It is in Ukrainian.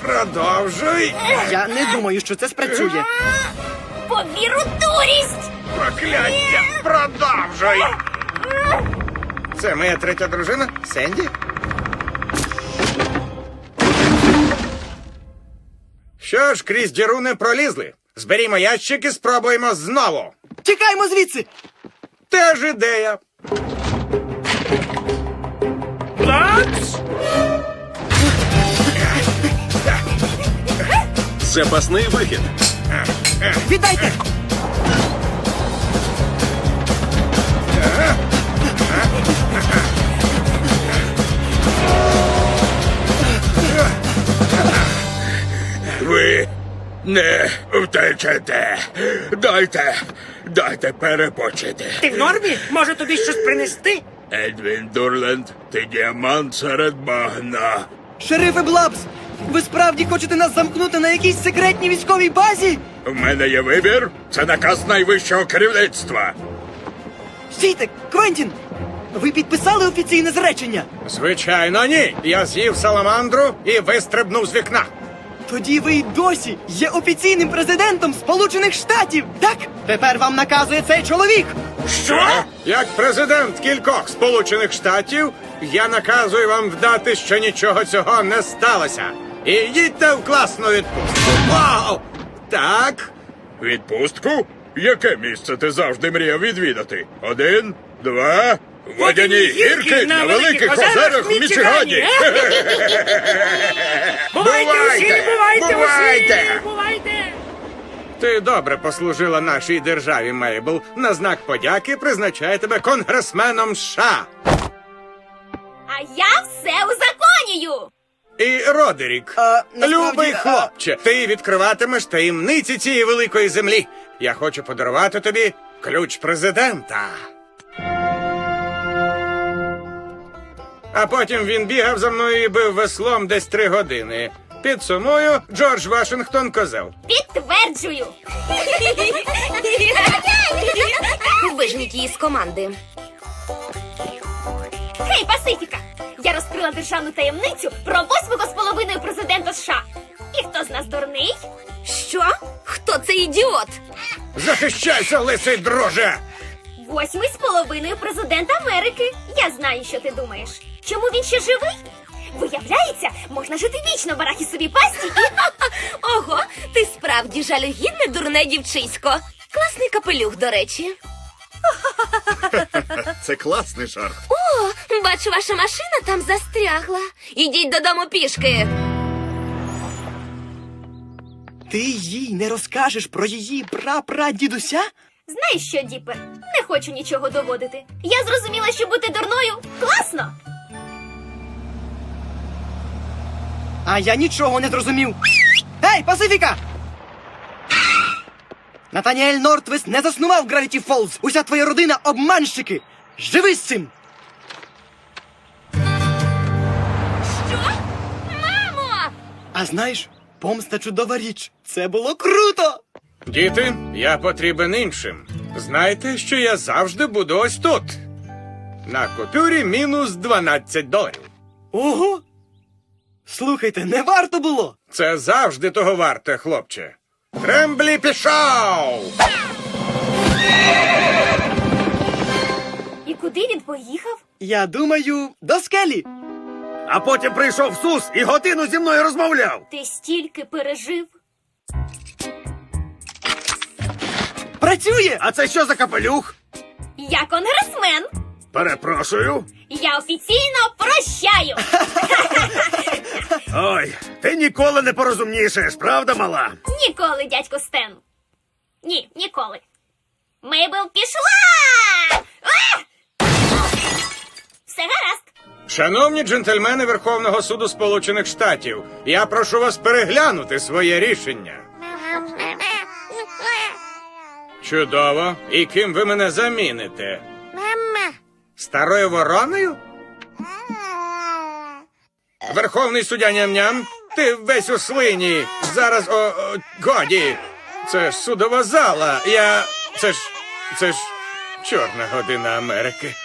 Продовжуй. Я не думаю, що це спрацює. Повіру дурість! Прокляття. Продовжуй. Це моя третя дружина, Сенді. Що ж, крізь діру не пролізли. Зберімо ящик і спробуємо знову. Тікаймо звідси! Теж ідея. Запасний вихід. Віддайте! Ви не втечете. Дайте перепочити. Ти в нормі? Може тобі щось принести? Едвін Дурленд, ти діамант серед багна. Шерифе Блабс, ви справді хочете нас замкнути на якійсь секретній військовій базі? В мене є вибір. Це наказ найвищого керівництва. Стійте, Квентін! Ви підписали офіційне зречення? Звичайно, ні. Я з'їв саламандру і вистрибнув з вікна. Тоді ви й досі є офіційним президентом Сполучених Штатів, так? Тепер вам наказує цей чоловік! Що? Як президент кількох Сполучених Штатів, я наказую вам вдати, що нічого цього не сталося. І їдьте в класну відпустку. Вау! Так. Відпустку? Яке місце ти завжди мріяв відвідати? 1, 2... Водяні гірки на великих озерах в Мічигані. Бувайте усі, бувайте Бувайте! усі! Бувайте! Ти добре послужила нашій державі, Мейбл. На знак подяки призначаю тебе конгресменом США. А я все узаконюю! І Родерік, насправді, любий хлопче, ти відкриватимеш таємниці цієї великої землі. Я хочу подарувати тобі ключ президента. А потім він бігав за мною і бив веслом десь 3 години. Підсумую, Джордж Вашингтон козел. Підтверджую! Виженіть її з команди. Хей, Пасифіка! Я розкрила державну таємницю про 8-го з половиною президента США. І хто з нас дурний? Що? Хто це ідіот? Захищайся, лисий друже! 8-й з половиною президент Америки. Я знаю, що ти думаєш. Чому він ще живий? Виявляється, можна жити вічно в арахісовій пасті і... Ого, ти справді жалюгідне дурне дівчисько. Класний капелюх, до речі. Це класний жарт. О, бачу, ваша машина там застрягла. Ідіть додому пішки. Ти їй не розкажеш про її прапрадідуся? Знаєш що, Діпер? Не хочу нічого доводити. Я зрозуміла, що бути дурною класно. А я нічого не зрозумів. Ей, Пасифіка! Натаніель Нортвест не заснував Гравіті Фолз. Уся твоя родина обманщики. Живи з цим! Що? Мамо! А знаєш, помста чудова річ. Це було круто! Діти, я потрібен іншим. Знайте, що я завжди буду ось тут. На купюрі мінус $12. Ого! Слухайте, не варто було! Це завжди того варте, хлопче. Тремблі пішов! І куди він поїхав? Я думаю, до скелі. А потім прийшов Сус і годину зі мною розмовляв. Ти стільки пережив. Працює! А це що за капелюх? Я конгресмен. Перепрошую. Я офіційно прощаю. Ой, ти ніколи не порозумнішаєш, правда, мала? Ніколи, дядько Стен. Ні, ніколи. Мейбл пішла! А! Все гаразд. Шановні джентльмени Верховного суду Сполучених Штатів, я прошу вас переглянути своє рішення. Чудово. І ким ви мене заміните? Старою вороною? Верховний суддя ням-ням, ти весь у слині. Зараз, годі. Це ж судова зала. Це ж чорна година Америки.